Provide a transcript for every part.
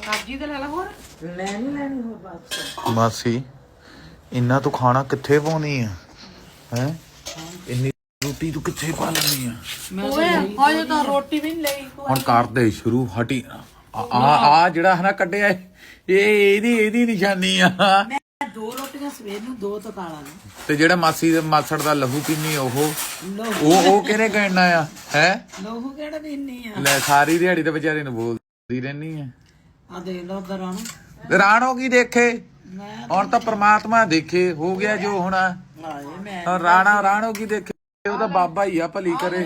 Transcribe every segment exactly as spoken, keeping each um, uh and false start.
ਸਬਜ਼ੀ ਤੇ ਲੈ ਲਾ ਹੋਰ ਲੈਣੀ ਲੈਣੀ ਹੋਰ ਬਸ ਮਾਸੀ ਇੰਨਾ ਤੂੰ ਖਾਣਾ ਕਿੱਥੇ ਪਾਉਣੀ ਆ ਹੈ ਇੰਨੀ ਰੋਟੀ ਤੂੰ ਕਿੱਥੇ ਪਾ ਲੈਣੀ ਆ ਓਏ ਹਜੇ ਤਾਂ ਰੋਟੀ ਵੀ ਨਹੀਂ ਲਈ ਤੂੰ ਹੁਣ ਕਰ ਦੇ ਸ਼ੁਰੂ ਹਟੀ ਆ ਆ ਜਿਹੜਾ ਹਨਾ ਕੱਢਿਆ ਇਹ ਇਹਦੀ ਇਹਦੀ ਨਿਸ਼ਾਨੀ ਆ ਮੈਂ ਦੋ ਰੋਟੀਆਂ ਸਵੇਰ ਨੂੰ ਦੋ ਤਕਾਲਾ ਨੂੰ ਤੇ ਜਿਹੜਾ ਮਾਸੀ ਦੇ ਮਾਸੜ ਦਾ ਲਹੂ ਪੀਣੀ ਉਹ ਲੋਹੂ ਉਹ ਉਹ ਕਿਹਨੇ ਕਹਿਣਾ ਆ ਹੈ ਲੋਹੂ ਕਿਹੜਾ ਪੀਨੀ ਆ ਲੈ ਸਾਰੀ ਦਿਹਾੜੀ ਤੇ ਵਿਚਾਰੇ ਨੂੰ ਬੋਲਦੀ ਰਹਿਨੀ ਆ ਆ ਦੇਖ ਲੋ ਦਰਾਂ ਰਾਣੋ ਕੀ ਦੇਖੇ ਮੈਂ ਹੁਣ ਤਾਂ ਪ੍ਰਮਾਤਮਾ ਦੇਖੇ ਹੋ ਗਿਆ ਜੋ ਹੋਣਾ ਹਾਏ ਮੈਂ ਹੁਣ ਰਾਣਾ ਰਾਣੋ ਕੀ ਦੇਖੇ ਉਹ ਤਾਂ ਬਾਬਾ ਹੀ ਆ ਭਲੀ ਕਰੇ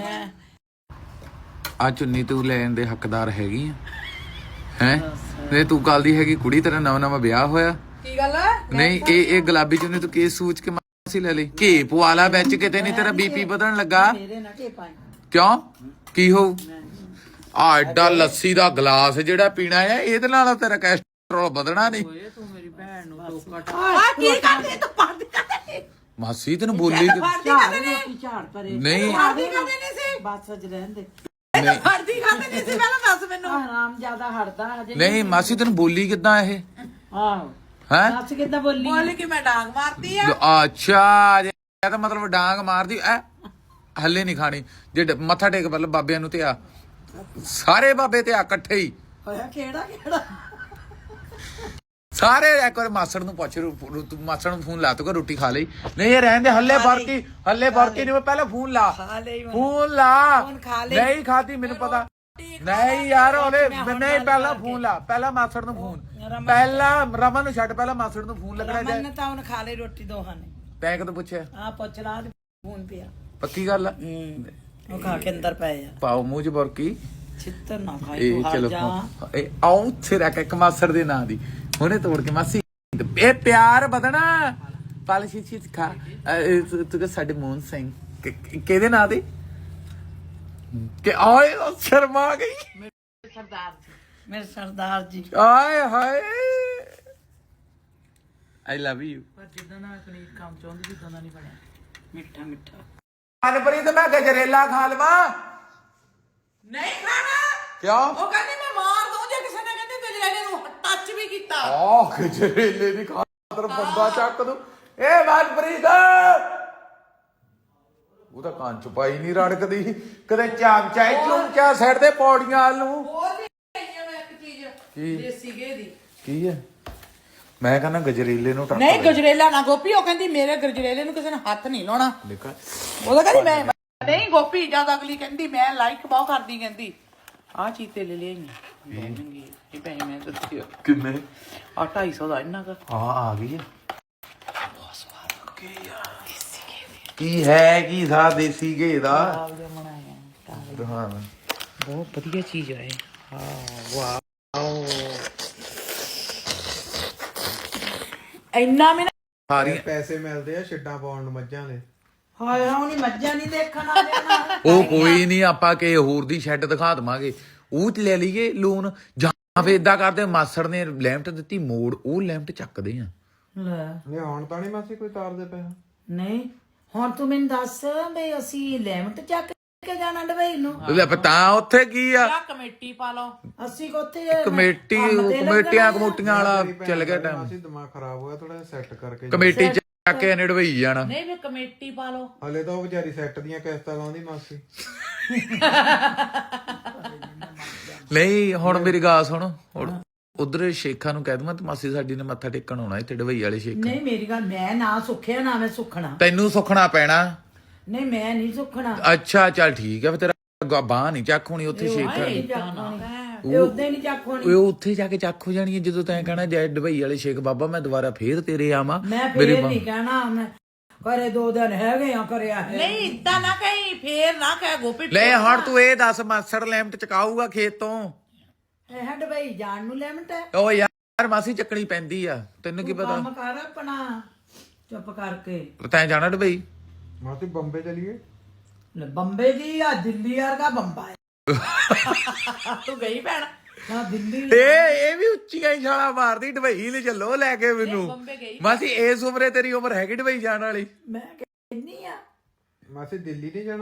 ਆ ਚੁੰਨੀ ਤੂੰ ਲੈਣ ਦੇ ਹੱਕਦਾਰ ਹੈਗੀ ਆ ਹੈ ਤੇ ਤੂੰ ਕੱਲ ਦੀ ਹੈਗੀ ਕੁੜੀ ਤੇਰਾ ਨਵਾਂ ਨਵਾਂ ਵਿਆਹ ਹੋਇਆ ਕੀ ਗੱਲ ਹੈ ਨਹੀਂ ਇਹ ਇਹ ਗੁਲਾਬੀ ਚੁੰਨੀ ਤੂੰ ਕੀ ਸੋਚ ਕੇ ਮਾਸੀ ਲੈ ਲਈ ਘੀ ਪਵਾਲਾ ਵਿੱਚ ਕਿਤੇ ਨਹੀਂ ਤੇਰਾ ਬੀਪੀ ਵਧਣ ਲੱਗਾ ਮੇਰੇ ਨਾਲ ਕੇ ਪਾਈ ਕਿਉਂ ਕੀ ਹੋਊ ਆ ਐਡਾ ਲੱਸੀ ਦਾ ਗਲਾਸ ਜਿਹੜਾ ਪੀਣਾ ਹੈ ਇਹਦੇ ਨਾਲ ਤੇਰਾ ਕੋਲੇਸਟ੍ਰੋਲ ਵਧਣਾ ਨਹੀਂ ਓਏ ਤੂੰ ਮੇਰੀ ਭੈਣ ਨੂੰ ਟੋਕਾ ਆ ਕੀ ਕਰਦੀ ਤੂੰ ਪੜਦੀ ਕਰਦੇ ਮਾਸੀ ਤੈਨੂੰ ਬੋਲੀ ਕਿ- ਰੋਟੀ ਝਾੜ ਪਰੇ ਨਹੀਂ ਪੜਦੀ ਕਰਦੇ ਨਹੀਂ ਸੀ ਬਸ ਅੱਜ ਰਹਿਣ ਦੇ ਨਹੀਂ ਪੜਦੀ ਕਰਦੇ ਨਹੀਂ ਸੀ ਪਹਿਲਾਂ ਦੱਸ ਮੈਨੂੰ ਆਰਾਮ ਜਿਆਦਾ ਹਟਦਾ ਹਜੇ ਨਹੀਂ ਮਾਸੀ ਤੈਨੂੰ ਬੋਲੀ ਕਿੱਦਾਂ ਇਹ ਆਹੋ ਹੈ ਦੱਸ ਕਿੱਦਾਂ ਬੋਲੀ ਬੋਲ ਕਿ ਮੈਂ ਡਾਂਗ ਮਾਰਤੀ ਆ ਅੱਛਾ ਇਹ ਤਾਂ ਮਤਲਬ ਡਾਂਗ ਮਾਰਦੀ ਐ ਹੱਲੇ ਨਹੀਂ ਖਾਣੀ ਜੇ ਡ- ਮੱਥਾ ਟੇਕ ਪਹਿਲਾਂ ਬਾਬਿਆਂ ਨੂੰ ਤੇ ਆ ਸਾਰੇ ਬਾਬੇ ਤੇ ਆ ਇਕੱਠੇ ਹੀ ਹੋਇਆ ਕਿਹੜਾ ਕਿਹੜਾ ਸਾਰੇ ਇੱਕ ਵਾਰ ਮਾਸੜ ਨੂੰ ਪੁੱਛ ਰੂ- ਰੂ- ਤੂੰ ਮਾਸੜ ਨੂੰ ਫੋਨ ਲਾ ਤੂੰ ਰੋਟੀ ਖਾ ਲਈ ਨਹੀਂ ਇਹ ਰਹਿਣ ਦੇ ਹੱਲੇ ਫਰਕੀ ਹੱਲੇ ਫਰਕੀ ਨਹੀਂ ਪਹਿਲਾਂ ਫੋਨ ਲਾ ਖਾ ਲਈ ਹੁਣ। ਫੋਨ ਲਾ ਫੋਨ ਖਾ ਲਈ। ਨਹੀਂ ਖਾਦੀ ਮੈਨੂੰ ਪਤਾ ਨਹੀਂ ਯਾਰ ਉਹਨੇ ਨਹੀਂ ਪਹਿਲਾਂ ਫੋਨ ਲਾ ਪਹਿਲਾਂ ਮਾਸੜ ਨੂੰ ਫੋਨ ਪਹਿਲਾਂ ਰਮਨ ਨੂੰ ਛੱਡ ਪਹਿਲਾਂ ਮਾਸੜ ਨੂੰ ਫੋਨ ਲੱਗਣਾ ਰਮਨ ਚਾਹੀਦਾ ਨੇ ਤਾਂ ਉਹਨੇ ਖਾ ਲਈ ਰੋਟੀ ਦੋਹਾਂ ਨੇ ਤੈਂ ਕਦੋਂ ਪੁੱਛਿਆ ਆ ਪੁੱਛ ਲਾ ਤੇ ਫੋਨ ਪਿਆ ਪੱਕੀ ਗੱਲ ਆ ਉਹ ਖਾ ਕੇ ਅੰਦਰ ਪਏ ਆ ਪਾਓ ਮੂੰਹ ਚ ਬੁਰਕੀ ਛਿੱਤਰ ਨਾ ਖਾਈ ਇਹ ਤੂੰ ਹਟ ਚਲੋ ਜਾ ਇਹ ਆਉਂ ਉੱਥੇ ਰੱਖ ਇੱਕ ਮਾਸੜ ਦੇ ਨਾਂ ਦੀ ਹੁਣੇ ਤੋੜ ਕੇ ਮਾਸੀ ਇਹ ਪਿਆਰ ਵਧਣਾ ਪਲ ਛੀ ਖਾ ਅਹ ਤੂੰ ਤੂੰ ਕਿ ਸਾਡੇ ਮੋਹਨ ਸਿੰਘ ਕਿ- ਕਿ- ਕਿਹਦੇ ਨਾਂ ਦੀ ਕਿ ਆਏ ਉਹ ਸ਼ਰਮਾ ਗਈ ਸਰਦਾਰ ਜੀ ਮੇਰੇ ਸਰਦਾਰ ਜੀ ਆਏ ਹਾਏ ਆਈ ਲਵ ਯੂ ਪਰ ਜਿੱਦਾਂ ਦਾ ਪਨੀਰ ਕੰਮ ਚਾਹੁੰਦੀ ਜਿੱਦਾਂ ਦਾ ਨਹੀਂ ਬਣਿਆ ਮਿੱਠਾ ਮਿੱਠਾ ਮਨਪ੍ਰੀਤ ਮੈਂ ਗਜਰੇਲਾ ਖਾ ਲਵਾਂ ਨਹੀਂ ਖਾਣਾ ਕਿਉਂ ਉਹ ਕਹਿੰਦੀ ਮੈਂ ਮਾਰ ਦੂੰ ਜੇ ਕਿਸੇ ਨੇ ਕਹਿੰਦੀ ਗਜਰੇਲੇ ਨੂੰ ਟੱਚ ਵੀ ਕੀਤਾ ਆਹ ਗਜਰੇਲੇ ਦੀ ਖਾਤਰ ਬੰਦਾ ਚੱਕ ਦੂ ਏ ਮਨਪ੍ਰੀਤ ਉਹ ਤਾਂ ਕੰਨ ਚ ਪਾਈ ਨਹੀਂ ਰੜਕਦੀ ਕਦੇ ਚਾਮਚਾ ਚੁੰਚਾ ਸਿਰ ਤੇ ਪੌੜੀਆਂ ਵੱਲ ਨੂੰ ਹੋਰ ਵੀ ਆਈਆਂ ਮੈਂ ਇੱਕ ਚੀਜ਼ ਕੀ? ਦੇਸੀ ਘੇ ਦੀ ਕੀ ਹੈ ਮੈਂ ਕਹਿੰਦਾ ਗਜਰੇਲੇ ਨੂੰ ਟੱਕ ਨਹੀਂ ਗਜਰੇਲਾ ਨਾ ਗੋਪੀ ਉਹ ਕਹਿੰਦੀ ਮੇਰੇ ਗਜਰੇਲੇ ਨੂੰ ਕਿਸੇ ਨੇ ਹੱਥ ਨਹੀਂ ਲਾਉਣਾ ਨਿਕਲ ਉਹਦਾ ਕਹਿੰਦੀ ਮੈਂ ਨਹੀਂ ਗੋਪੀ ਜਦ ਅਗਲੀ ਕਹਿੰਦੀ ਮੈਂ ਲਾਈਕ ਬਹੁਤ ਕਰਦੀ ਕਹਿੰਦੀ ਆਹ ਚੀਜ਼ ਤੇ ਲੈ ਲਈ ਮਹਿੰਗੀ ਇਹ ਪੈਸੇ ਮੈਂ ਦਿੱਤੇ ਕਿੰਨੇ ਆ ਢਾਈ ਸੌ ਦਾ ਇੰਨਾ ਕਰ ਆ ਆ ਗਈ ਹੈ ਕੀ ਹੈ ਕੀ ਥਾ ਦੇਸੀ ਘੇ ਦਾ ਹਾਂ ਬਹੁਤ ਵਧੀਆ ਚੀਜ਼ ਹੈ ਹਾਂ ਵਾਓ ਇੰਨਾ ਮੈਂ ਸਾਰੀਆਂ ਪੈਸੇ ਮਿਲਦੇ ਆ ਛੱਡਾਂ ਪਾਉਣ ਨੂੰ ਮੱਝਾਂ ਦੇ ਹਾਏ ਉਹਨੀ ਮੱਝਾਂ ਨਹੀਂ ਦੇਖਣ ਆ ਜਾਣਾ ਉਹ ਕੋਈ ਨਹੀਂ ਆਪਾਂ ਕਿ ਹੋਰ ਦੀ ਸ਼ੈੱਡ ਦਿਖਾ ਦਵਾਂਗੇ ਉਹ ਚ ਲੈ ਲਈਏ ਲੋਨ ਜਾਂ ਫੇ ਇਦਾਂ ਕਰਦੇ ਮਾਸੜ ਨੇ ਲੈਮਟ ਦਿੱਤੀ ਮੋੜ ਉਹ ਲੈਮਟ ਚੱਕਦੇ ਆ ਲੈ ਨਹੀਂ ਹੁਣ ਤਾਂ ਨਹੀਂ ਮਾਸੀ ਕੋਈ ਤਾਰਦੇ ਪਿਆ ਨਹੀਂ ਹੁਣ ਤੂੰ ਮੈਨੂੰ ਦੱਸ ਵੀ ਅਸੀਂ ਲੈਮਟ ਚੱਕ ਕੇ ਜਾਣਾ ਡਬਈ ਨੂੰ ਲੈ ਤਾਂ ਉੱਥੇ ਕੀ ਆ ਆ ਕਮੇਟੀ ਪਾ ਲਓ ਅਸੀਂ ਕੋਥੇ ਕਮੇਟੀ ਕਮੇਟੀਆਂ ਕਮੋਟੀਆਂ ਵਾਲਾ ਚੱਲ ਗਿਆ ਟਾਈਮ ਮਾਸੀ ਦਿਮਾਗ ਖਰਾਬ ਹੋਇਆ ਥੋੜਾ ਸੈੱਟ ਕਰਕੇ ਕਮੇਟੀ ਚੱਕ ਕੇ ਨਿੜਵਈ ਜਾਣਾ ਨਹੀਂ ਵੀ ਕਮੇਟੀ ਪਾ ਲਓ ਹਲੇ ਤਾਂ ਉਹ ਵਿਚਾਰੀ ਸੈੱਟ ਦੀਆਂ ਕਿਸ਼ਤਾਂ ਲਾਉਂਦੀ ਮਾਸੀ ਨਹੀਂ ਹੁਣ ਮੇਰੀ ਗੱਲ ਸੁਣ ਹੁਣ ਉਧਰ ਸ਼ੇਖਾਂ ਨੂੰ ਕਹਿ ਦਵਾਂ ਤੇ ਮਾਸੀ ਸਾਡੀ ਨੇ ਮੱਥਾ ਟੇਕਣ ਆਉਣਾ ਇੱਥੇ ਡਬਈ ਵਾਲੇ ਸ਼ੇਖ ਨਹੀਂ ਮੇਰੀ ਗੱਲ ਮੈਂ ਨਾ ਸੁੱਖਿਆ ਨਾ ਮੈਂ ਸੁੱਖਣਾ ਤੈਨੂੰ ਸੁਖਣਾ ਪੈਣਾ ਨਹੀਂ ਮੈਂ ਨਹੀਂ ਸੁੱਖਣਾ ਅੱਛਾ ਚੱਲ ਠੀਕ ਆ ਫੇ ਤੇਰਾ ਬਾਹ ਨਹੀਂ ਚੱਕ ਹੋਣੀ ਉੱਥੇ ਸ਼ੇਖਾਂ ਦੀ ਇਹ ਉਦੋਂ ਨਹੀਂ ਚੱਕ ਹੋਣੀ ਉਹ ਉੱਥੇ ਜਾ ਕੇ ਚੱਕ ਹੋ ਜਾਣੀ ਹੈ ਜਦੋਂ ਤੈਂ ਕਹਿਣਾ ਜੈ ਡਬਈ ਵਾਲੇ ਸ਼ੇਖ ਬਾਬਾ ਮੈਂ ਦੁਬਾਰਾ ਫੇਰ ਤੇਰੇ ਆਵਾਂ ਮੈਂ ਫੇਰ ਨਹੀਂ ਕਹਿਣਾ ਮੈਂ ਘਰੇ ਦੋ ਦਿਨ ਹੈਗੇ ਆ ਕਰਿਆ ਹੈ ਨਹੀਂ ਇਦਾਂ ਨਾ ਕਹੀਂ ਫੇਰ ਨਾ ਕਹਿ ਗੋਪੀ ਲੈ ਹੁਣ ਤੂੰ ਇਹ ਦੱਸ ਮਾਸੜ ਲੈਮਟ ਚਕਾਊਗਾ ਖੇਤ ਤੋਂ ਇਹ ਡਬਈ ਜਾਣ ਨੂੰ ਲੈਮਟ ਹੈ ਓ ਯਾਰ ਮਾਸੀ ਚੱਕਣੀ ਪੈਂਦੀ ਆ ਤੈਨੂੰ ਕੀ ਪਤਾ ਕੰਮ ਕਰ ਆਪਣਾ ਚੁੱਪ ਕਰਕੇ ਤੈਂ ਜਾਣਾ ਡਬਈ ਮਾਸੀ ਬੰਬੇ ਚਲੀਏ ਲੈ ਬੰਬੇ ਦੀ ਆ ਦਿੱਲੀ ਵਰਗਾ ਬੰਬਾ ਹੈ ਤੂੰ ਗਈ ਭੈਣ ਨਾ ਦਿੱਲੀ ਇਹ ਇਹ ਵੀ ਉੱਚੀਆਂ ਹੀ ਛਾਲਾਂ ਮਾਰਦੀ ਡਬਈ ਲੈ ਚੱਲੋ ਲੈ ਕੇ ਮੈਨੂੰ ਬੰਬੇ ਗਈ ਮਾਸੀ ਇਸ ਉਮਰੇ ਤੇਰੀ ਉਮਰ ਹੈਗੀ ਡਬਈ ਜਾਣ ਵਾਲੀ ਮੈਂ ਕਹਿੰਨੀ ਆ ਮਾਸੀ ਦਿੱਲੀ ਨਹੀਂ ਜਾਣਾ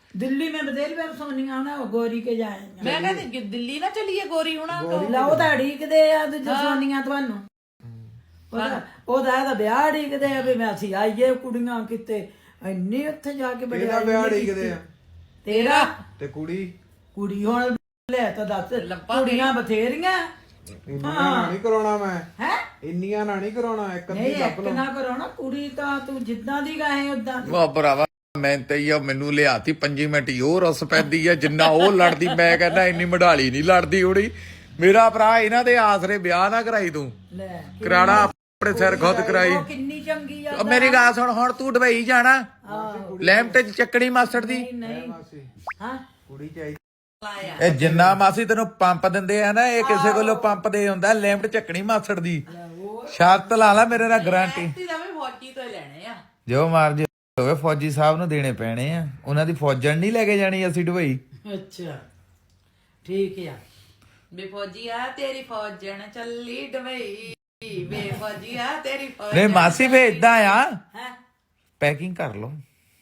दिल्ली में बतेल बार सोनिया ना वो गोरी के जाएंगे ਮੈਂ ਕਹਿੰਦੀ ਕਿ ਦਿੱਲੀ ਨਾ ਚਲੀਏ ਗੋਰੀ ਹੁਣਾ ਤੋਂ ਲਾ ਉਹ ਤਾਂ ਢੀਕਦੇ ਆ ਦੂਜੇ ਸੋਨੀਆਂ ਤੁਹਾਨੂੰ ਉਹਦਾ ਉਹਦਾ ਇਹਦਾ ਵਿਆਹ ਢੀਕਦੇ ਆ ਵੀ ਮੈਂ ਅਸੀਂ ਆਈਏ ਕੁੜੀਆਂ ਕਿਤੇ ਇੰਨੀ ਉੱਥੇ ਜਾ ਕੇ ਬੜੇ ਇਹਦਾ ਵਿਆਹ ਢੀਕਦੇ ਆ ਤੇਰਾ ਤੇ ਕੁੜੀ ਕੁੜੀ ਹੁਣ ਲੈ ਤਾਂ ਦੱਸ ਕੁੜੀਆਂ ਬਥੇਰੀਆਂ ਇੰਨੀਆਂ ਨਾ ਨਹੀਂ ਕਰਾਉਣਾ ਮੈਂ ਹੈ ਇੰਨੀਆਂ ਨਾ ਨਹੀਂ ਕਰਾਉਣਾ ਇੱਕ ਅੱਧੀ ਨਹੀਂ ਲੱਭ ਇੱਕ ਲਓ ਨਾ ਕਰੋ ਨਾ ਕੁੜੀ ਤਾਂ ਤੂੰ ਜਿੱਦਾਂ ਦੀ ਗਾਏ ਉਦਾਂ ਵਾ ਭਰਾਵਾ ਮੈਂ ਤੇ ਹੀ ਆ ਮੈਨੂੰ ਲਿਆਤੀ ਪੰਜੀ ਮਿੰਟ ਹੀ ਉਹ ਰਸ ਪੈਂਦੀ ਆ ਜਿੰਨਾ ਉਹ ਲੜਦੀ ਮੈਂ ਕਹਿੰਦਾ ਇੰਨੀ ਮਢਾਲੀ ਨਹੀਂ ਲੜਦੀ ਹੋਣੀ ਮੇਰਾ ਭਰਾ ਇਹਨਾਂ ਦੇ ਆਸਰੇ ਵਿਆਹ ਨਾ ਕਰਾਈ ਤੂੰ ਲੈ ਕਰਾਣਾ ਆਪਣੇ ਸਿਰ ਖੁਦ ਕਰਾਈ ਉਹ ਕਿੰਨੀ ਚੰਗੀ ਆ ਉਹ ਮੇਰੀ ਗੱਲ ਸੁਣ ਹੁਣ ਤੂੰ ਦੁਬਈ ਜਾਣਾ ਲੈਂਪ ਤੇ ਚੱਕਣੀ ਮਾਸਟਰ ਦੀ ਨਹੀਂ ਮਾਸੀ ਹਾਂ ਕੁੜੀ ਚਾਹੀਦੀ ਇਹ ਜਿੰਨਾ ਮਾਸੀ ਤੈਨੂੰ ਪੰਪ ਦਿੰਦੇ ਆ ਨਾ ਇਹ ਕਿਸੇ ਕੋਲੋਂ ਪੰਪ ਦੇ ਹੁੰਦਾ ਲੈਂਪ ਚੱਕਣੀ ਮਾਸਟਰ ਦੀ ਸ਼ਰਤ ਲਾ ਲਾ ਮੇਰੇ ਨਾਲ ਗਾਰੰਟੀ ਐਕਟੀ ਦਾ ਵੀ ਫੌਜੀ ਤੋਂ ਹੀ ਲੈਣੇ ਆ ਜੋ ਮਰਜੀ ਹੋਵੇ ਫੌਜੀ ਸਾਹਿਬ ਨੂੰ ਦੇਣੇ ਪੈਣੇ ਆ ਉਹਨਾਂ ਦੀ ਫੌਜਣ ਨਹੀਂ ਲੈ ਕੇ ਜਾਣੀ ਅਸੀਂ ਦੁਬਈ ਅੱਛਾ ਠੀਕ ਆ ਬੇ ਫੌਜੀ ਆ ਤੇਰੀ ਫੌਜਣ ਚੱਲੀ ਡਬਈ ਬੇ ਫੌਜੀ ਆ ਤੇਰੀ ਫੌਜ ਨਹੀਂ ਮਾਸੀ ਫੇ ਇਦਾਂ ਆ ਹੈ ਪੈਕਿੰਗ ਕਰ ਲਓ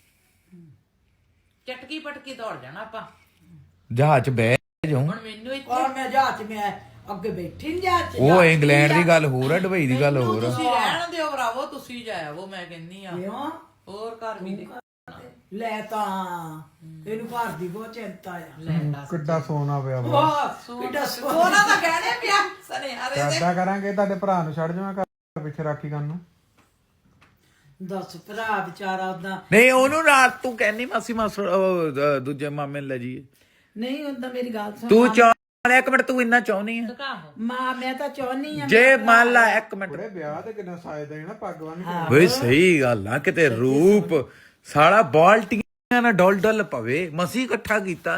ਚਟਕੀ ਪਟਕੀ ਦੌੜ ਜਾਣਾ ਆਪਾਂ ਜਹਾਜ਼ 'ਚ ਬਹਿ ਜਾਉ ਹੁਣ ਮੈਨੂੰ ਇੱਥੇ ਔਰ ਮੈਂ ਜਹਾਜ਼ ਮੈਂ ਅੱਗੇ ਬੈਠੀ ਨਹੀਂ ਜਹਾਜ਼ ਉਹ ਇੰਗਲੈਂਡ ਦੀ ਗੱਲ ਹੋਰ ਆ ਦੁਬਈ ਦੀ ਗੱਲ ਹੋਰ ਆ ਤੁਸੀਂ ਰਹਿਣ ਦਿਓ ਭਰਾਵੋ ਤੁਸੀਂ ਜਾਇਆ ਉਹ ਮੈਂ ਕਹਿੰਨੀ ਆ ਕਿਉਂ ਹੋਰ ਘਰ ਵੀ ਦੇ ਲੈ ਤਾਂ ਇਹਨੂੰ ਘਰ ਦੀ ਬਹੁਤ ਚਿੰਤਾ ਆ ਕਿੱਡਾ ਸੋਨਾ ਪਿਆ ਵਾ ਵਾਹ ਕਿੱਡਾ ਸੋਹਣਾ ਉਹਨਾਂ ਦਾ ਕਹਿਣੇ ਪਿਆ ਸਨੇ ਹਰੇ ਦੇ ਏਦਾਂ ਕਰਾਂਗੇ ਤੁਹਾਡੇ ਭਰਾ ਨੂੰ ਛੱਡ ਜਾਵਾਂ ਘਰ ਪਿੱਛੇ ਰਾਖੀ ਕਰਨ ਨੂੰ ਦੱਸ ਭਰਾ ਵਿਚਾਰਾ ਉਦਾਂ ਨਹੀਂ ਉਹਨੂੰ ਨਾਲ ਤੂੰ ਕਹਿੰਦੀ ਮਾਸੀ ਮਾਸੜ ਉਹ, ਅ, ਦੂਜੇ ਮਾਮੇ ਨੂੰ ਲੈ ਜਾਈਏ ਨਹੀਂ ਉਦਾਂ ਮੇਰੀ ਗੱਲ ਸੁਣ ਤੂੰ ਚਾਹ ਇੱਕ ਮਿੰਟ ਤੂੰ ਇੰਨਾ ਚਾਹੁੰਦੀ ਆ ਕਾਹੋ ਮਾਂ ਮੈਂ ਤਾਂ ਚਾਹਨੀ ਆ ਜੇ ਮੰਨ ਲਾ ਇੱਕ ਮਿੰਟ ਬੜੇ ਵਿਆਹ ਤੇ ਕਿੰਨਾ ਸਾਜਦਾ ਹੈ ਨਾ ਪੱਗ ਬੰਨ ਕੇ ਓਏ ਸਹੀ ਗੱਲ ਆ ਕਿਤੇ ਰੂਪ ਸਾਲਾ ਬਾਲਟੀਆਂ ਨਾਲ ਡੋਲ ਡੋਲ ਪਵੇ ਮਸੀ ਇਕੱਠਾ ਕੀਤਾ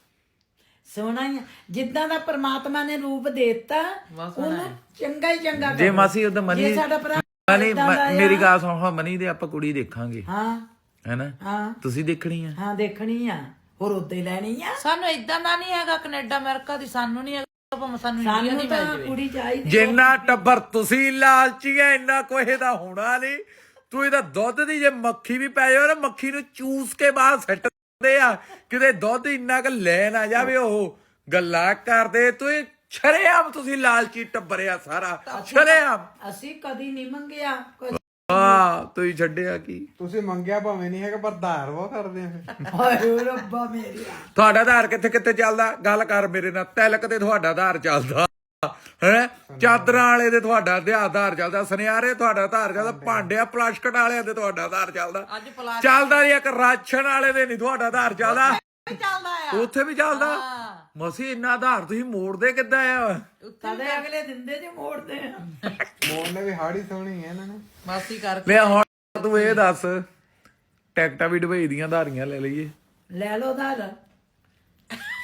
ਸੋਹਣਾ ਹੀ ਆ। ਜਿੱਦਾਂ ਦਾ ਪ੍ਰਮਾਤਮਾ ਨੇ ਰੂਪ ਦੇਤਾ ਉਹਨੂੰ ਚੰਗਾ ਹੀ ਚੰਗਾ ਜੇ ਕਰੋ। ਮਾਸੀ ਉਹਦਾ ਮਨੀ ਜੇ ਸਾਡਾ ਭਰਾ ਮਨੀ ਏਦਾਂ ਦਾ ਆ- ਮੇਰੀ ਗੱਲ ਸੁਣ ਹਾਂ ਮਨੀ ਦੇ ਆਪਾਂ ਕੁੜੀ ਦੇਖਾਂਗੇ ਹਾਂ ਹੈਨਾ ਹਾਂ ਤੁਸੀਂ ਦੇਖਣੀ ਆ ਹਾਂ ਦੇਖਣੀ ਆ ਹੋਰ ਉੱਤੇ ਲੈਣੀ ਆ ਸਾਨੂੰ ਇਦਾਂ ਦਾ ਨਹੀਂ ਹੈਗਾ ਕੈਨੇਡਾ ਅਮਰੀਕਾ ਦੀ ਸਾਨੂੰ ਨਹੀਂ ਹੈਗਾ ਭਾਵੇਂ ਸਾਨੂੰ ਇੰਡੀਆ ਸਾਨੂੰ ਦੀ ਤਾਂ ਮਿਲ ਜਾਵੇ ਕੁੜੀ ਚਾਹੀਦੀ ਜਿੰਨਾ ਟੱਬਰ ਤੁਸੀਂ ਲਾਲਚੀ ਐ ਇੰਨਾ ਕੋਈ ਦਾ ਹੋਣਾ ਨਹੀਂ ਤੂੰ ਇਹਦਾ ਦੁੱਧ ਦੀ ਜੇ ਮੱਖੀ ਵੀ ਪੈ ਜਾਵੇ ਨਾ ਮੱਖੀ ਨੂੰ ਚੂਸ ਕੇ ਬਾਹਰ ਸੱਟਦੇ ਆ ਕਿਤੇ ਦੁੱਧ ਇੰਨਾ ਕੁ ਲੈ ਨਾ ਜਾਵੇ ਉਹ ਗੱਲਾਂ ਕਰਦੇ ਤੂੰ ਇਹ ਸ਼ਰੇਆਮ ਤੁਸੀਂ ਲਾਲਚੀ ਟੱਬਰਿਆ ਸਾਰਾ ਸ਼ਰੇਆਮ ਅਸੀਂ ਕਦੀ ਨਹੀਂ ਮੰਗਿਆ ਕੁਝ। ਹਾਂ ਤੁਸੀਂ ਛੱਡਿਆ ਕੀ ਤੁਸੀਂ ਮੰਗਿਆ ਭਾਵੇਂ ਨਹੀਂ ਹੈਗਾ ਪਰ ਧਾਰ ਵਾ ਕਰਦੇ ਆ ਫਿਰ ਹਾਏ ਰੱਬਾ ਮੇਰੀਆ ਤੁਹਾਡਾ ਆਧਾਰ ਕਿੱਥੇ ਕਿੱਥੇ ਚੱਲਦਾ ਗੱਲ ਕਰ ਮੇਰੇ ਨਾਲ ਤਿਲਕ ਤੇ ਤੁਹਾਡਾ ਆਧਾਰ ਚੱਲਦਾ ਹੈ ਚਾਦਰਾਂ ਵਾਲੇ ਦੇ ਤੁਹਾਡਾ ਆਧਾਰ ਚੱਲਦਾ ਸੁਨਿਆਰੇ ਤੁਹਾਡਾ ਆਧਾਰ ਚੱਲਦਾ ਭਾਂਡਿਆ ਪਲਾਸਟਿਕ ਵਾਲਿਆਂ ਦੇ ਤੁਹਾਡਾ ਆਧਾਰ ਚੱਲਦਾ ਅੱਜ ਪਲਾਸ ਚੱਲਦਾ ਨਹੀਂ ਇੱਕ ਰਾਸ਼ਨ ਵਾਲੇ ਦੇ ਨਹੀਂ ਤੁਹਾਡਾ ਆਧਾਰ ਚੱਲਦਾ ਵੀ ਚੱਲਦਾ ਆ ਉੱਥੇ ਵੀ ਚੱਲਦਾ ਹਾਂ ਮਸੀ ਇੰਨਾ ਆਧਾਰ ਤੁਸੀਂ ਮੋੜਦੇ ਕਿੱਦਾਂ ਆ ਕਦੇ ਅਗਲੇ ਦਿੰਦੇ ਜੇ ਮੋੜਦੇ ਆ ਮੋੜ ਨੇ ਵੀ ਹਾੜੀ ਸੋਹਣੀ ਹੈ ਇਹਨਾਂ ਨੇ ਮਾਸੀ ਕਰਕੇ ਲੈ ਹੁਣ ਤੂੰ ਇਹ ਦੱਸ ਟਿਕਟਾਂ ਵੀ ਦੁਬਈ ਦੀਆਂ ਧਾਰੀਆਂ ਲੈ ਲਈਏ ਲੈ ਲੋ ਦਾ